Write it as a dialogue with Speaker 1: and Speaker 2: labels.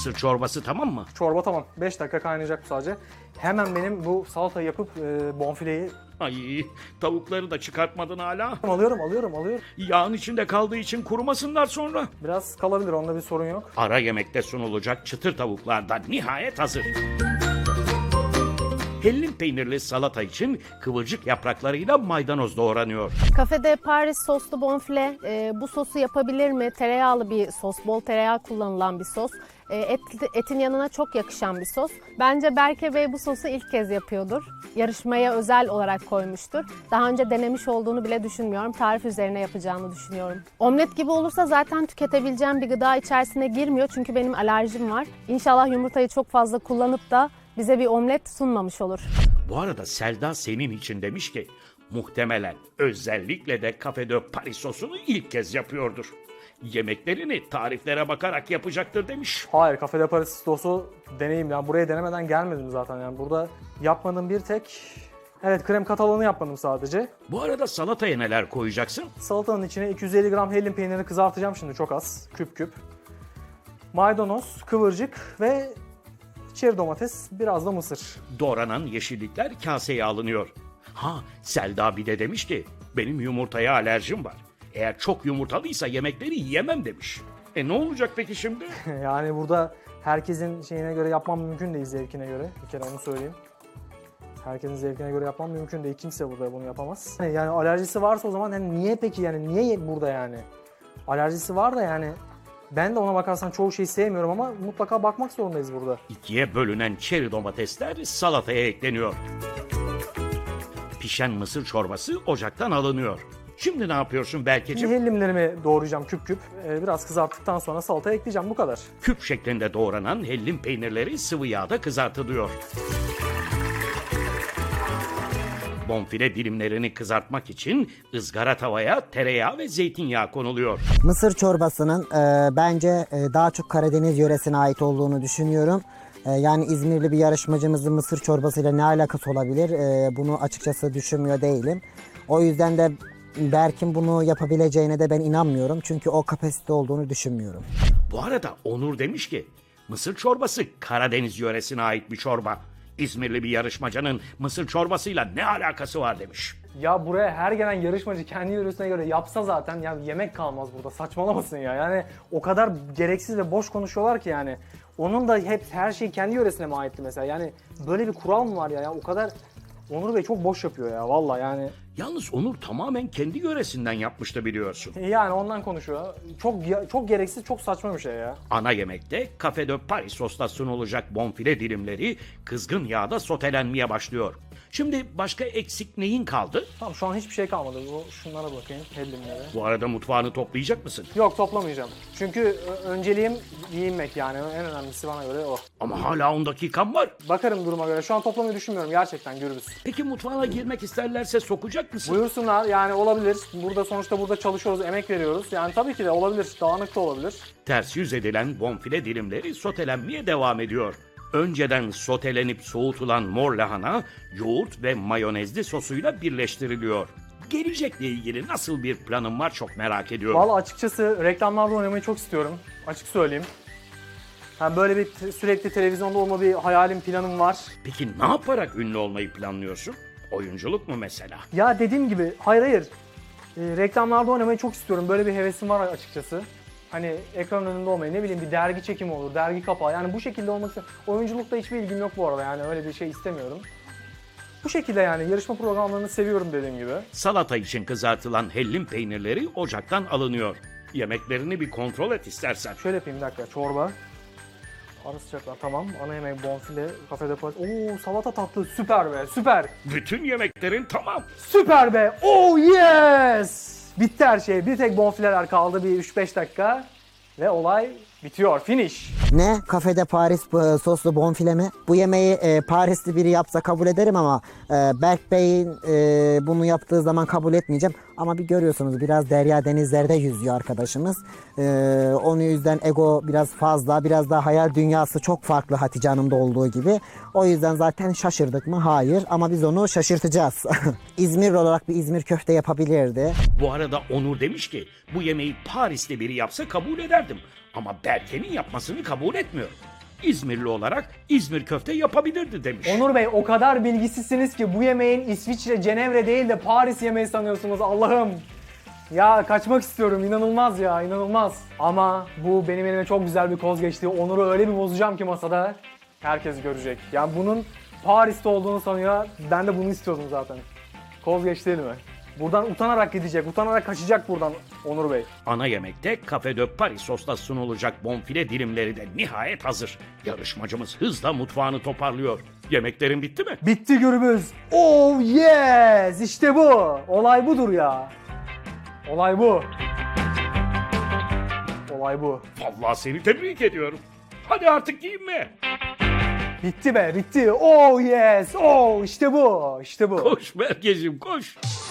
Speaker 1: Mısır çorbası tamam mı?
Speaker 2: Çorba tamam. 5 dakika kaynayacak bu sadece. Hemen benim bu salatayı yapıp bonfileyi
Speaker 1: Ay, tavukları da çıkartmadın hala.
Speaker 2: alıyorum.
Speaker 1: Yağın içinde kaldığı için kurumasınlar sonra.
Speaker 2: Biraz kalabilir, onda bir sorun yok.
Speaker 1: Ara yemekte sunulacak çıtır tavuklar da nihayet hazır. Hellim peynirli salata için kıvırcık yapraklarıyla maydanoz doğranıyor.
Speaker 3: Kafede Paris soslu bonfile, bu sosu yapabilir mi? Tereyağlı bir sos, bol tereyağı kullanılan bir sos. Etin yanına çok yakışan bir sos. Bence Berke Bey bu sosu ilk kez yapıyordur. Yarışmaya özel olarak koymuştur. Daha önce denemiş olduğunu bile düşünmüyorum. Tarif üzerine yapacağını düşünüyorum. Omlet gibi olursa zaten tüketebileceğim bir gıda içerisine girmiyor. Çünkü benim alerjim var. İnşallah yumurtayı çok fazla kullanıp da bize bir omlet sunmamış olur.
Speaker 1: Bu arada Selda senin için demiş ki muhtemelen özellikle de Café de Paris sosunu ilk kez yapıyordur. Yemeklerini tariflere bakarak yapacaktır demiş.
Speaker 2: Hayır, Café de Paris sosu deneyim. Yani buraya denemeden gelmedim zaten. Yani burada yapmadığım bir tek... Evet, krem katalanı yapmadım sadece.
Speaker 1: Bu arada salataya neler koyacaksın?
Speaker 2: Salatanın içine 250 gram hellim peynirini kızartacağım şimdi çok az. Küp küp. Maydanoz, kıvırcık ve çeri domates, biraz da mısır.
Speaker 1: Doğranan yeşillikler kaseye alınıyor. Ha, Selda bir de demiş ki benim yumurtaya alerjim var. Eğer çok yumurtalıysa yemekleri yiyemem demiş. Ne olacak peki şimdi?
Speaker 2: Yani burada herkesin şeyine göre yapmam mümkün değil, zevkine göre. Bir kere onu söyleyeyim. Herkesin zevkine göre yapmam mümkün değil. Kimse burada bunu yapamaz. Yani alerjisi varsa o zaman hani niye peki, yani niye burada yani? Alerjisi var da yani ben de ona bakarsan çoğu şeyi sevmiyorum ama mutlaka bakmak zorundayız burada.
Speaker 1: İkiye bölünen çeri domatesler salataya ekleniyor. Pişen mısır çorbası ocaktan alınıyor. Şimdi ne yapıyorsun
Speaker 2: Şimdi
Speaker 1: Berkeciğim?
Speaker 2: hellimlerimi doğrayacağım küp küp. Biraz kızarttıktan sonra salataya ekleyeceğim, bu kadar.
Speaker 1: Küp şeklinde doğranan hellim peynirleri sıvı yağda kızartılıyor. Bonfile dilimlerini kızartmak için ızgara tavaya tereyağı ve zeytinyağı konuluyor.
Speaker 4: Mısır çorbasının bence daha çok Karadeniz yöresine ait olduğunu düşünüyorum. Yani İzmirli bir yarışmacımızın mısır çorbasıyla ne alakası olabilir? Bunu açıkçası düşünmüyor değilim. O yüzden de Berk'in bunu yapabileceğine de ben inanmıyorum. Çünkü o kapasite olduğunu düşünmüyorum.
Speaker 1: Bu arada Onur demiş ki mısır çorbası Karadeniz yöresine ait bir çorba. İzmirli bir yarışmacının mısır çorbasıyla ne alakası var demiş.
Speaker 2: Ya buraya her gelen yarışmacı kendi yöresine göre yapsa zaten ya yemek kalmaz burada. Saçmalamasın ya. Yani o kadar gereksiz ve boş konuşuyorlar ki yani. Onun da hep her şey kendi yöresine mi aitti mesela? Yani böyle bir kural mı var ya? Ya o kadar Onur Bey çok boş yapıyor ya vallahi yani.
Speaker 1: Yalnız Onur tamamen kendi yöresinden yapmıştı biliyorsun.
Speaker 2: Yani ondan konuşuyor. Çok gereksiz, çok saçma bir şey ya.
Speaker 1: Ana yemekte Café de Paris sosla sunulacak bonfile dilimleri kızgın yağda sotelenmeye başlıyor. Şimdi başka eksik neyin kaldı?
Speaker 2: Tamam, şu an hiçbir şey kalmadı. Şunlara bakayım, hellimlere.
Speaker 1: Bu arada mutfağını toplayacak mısın?
Speaker 2: Yok, toplamayacağım. Çünkü önceliğim giyinmek yani. En önemlisi bana göre o.
Speaker 1: Ama hala 10 dakikan var.
Speaker 2: Bakarım duruma göre. Şu an toplamayı düşünmüyorum gerçekten, Gürbüz.
Speaker 1: Peki mutfağına girmek isterlerse sokacak mısın?
Speaker 2: Buyursunlar, yani olabilir. Burada çalışıyoruz, emek veriyoruz. Yani tabii ki de olabilir. Dağınık da olabilir.
Speaker 1: Ters yüz edilen bonfile dilimleri sotelenmeye devam ediyor. Önceden sotelenip soğutulan mor lahana yoğurt ve mayonezli sosuyla birleştiriliyor. Gelecekle ilgili nasıl bir planın var çok merak ediyorum.
Speaker 2: Vallahi açıkçası reklamlarda oynamayı çok istiyorum. Açık söyleyeyim. Yani böyle bir sürekli televizyonda olma bir hayalim, planım var.
Speaker 1: Peki ne yaparak ünlü olmayı planlıyorsun? Oyunculuk mu mesela?
Speaker 2: Ya dediğim gibi hayır. Reklamlarda oynamayı çok istiyorum. Böyle bir hevesim var açıkçası. Hani ekran önünde olmayı, ne bileyim bir dergi çekimi olur, dergi kapağı. Yani bu şekilde olmak istiyorum. Oyunculukta hiçbir ilgim yok bu arada, yani öyle bir şey istemiyorum. Bu şekilde yani yarışma programlarını seviyorum dediğim gibi.
Speaker 1: Salata için kızartılan hellim peynirleri ocaktan alınıyor. Yemeklerini bir kontrol et istersen.
Speaker 2: Şöyle yapayım, bir dakika, çorba. Ara sıcaklar, tamam. Ana yemek bonfile, Café de Paris. Oo, salata tatlı, süper be, süper.
Speaker 1: Bütün yemeklerin tamam.
Speaker 2: Süper be, oh yes! Bitti her şey, bir tek bonfileler kaldı, bir 3-5 dakika. Ve olay bitiyor, finish.
Speaker 4: Ne? Kafede Paris soslu bonfile mi? Bu yemeği Parisli biri yapsa kabul ederim ama Berk Bey'in bunu yaptığı zaman kabul etmeyeceğim. Ama bir görüyorsunuz biraz derya denizlerde yüzüyor arkadaşımız. Onun yüzden ego biraz fazla, biraz daha hayal dünyası çok farklı Hatice Hanım'da olduğu gibi. O yüzden zaten şaşırdık mı? Hayır, ama biz onu şaşırtacağız. İzmir olarak bir İzmir köfte yapabilirdi.
Speaker 1: Bu arada Onur demiş ki bu yemeği Paris'te biri yapsa kabul ederdim. Ama Berke'nin yapmasını kabul etmiyor. İzmirli olarak İzmir köfte yapabilirdi demiş.
Speaker 2: Onur Bey o kadar bilgisizsiniz ki bu yemeğin İsviçre, Cenevre değil de Paris yemeği sanıyorsunuz. Allah'ım. Ya kaçmak istiyorum. İnanılmaz ya, inanılmaz. Ama bu benim elime çok güzel bir koz geçti. Onur'u öyle bir bozacağım ki masada herkes görecek. Yani bunun Paris'te olduğunu sanıyor. Ben de bunu istiyordum zaten. Koz geçti elime. Buradan utanarak gidecek, utanarak kaçacak buradan Onur Bey.
Speaker 1: Ana yemekte Café de Paris sosla sunulacak bonfile dilimleri de nihayet hazır. Yarışmacımız hızla mutfağını toparlıyor. Yemeklerin bitti mi?
Speaker 2: Bitti Gürbüz. Oh yes! İşte bu. Olay budur ya. Olay bu. Olay bu.
Speaker 1: Vallahi seni tebrik ediyorum. Hadi artık giyinme.
Speaker 2: Bitti be, bitti. Oh yes! Oh işte bu. İşte bu.
Speaker 1: Koş Berkeciğim koş.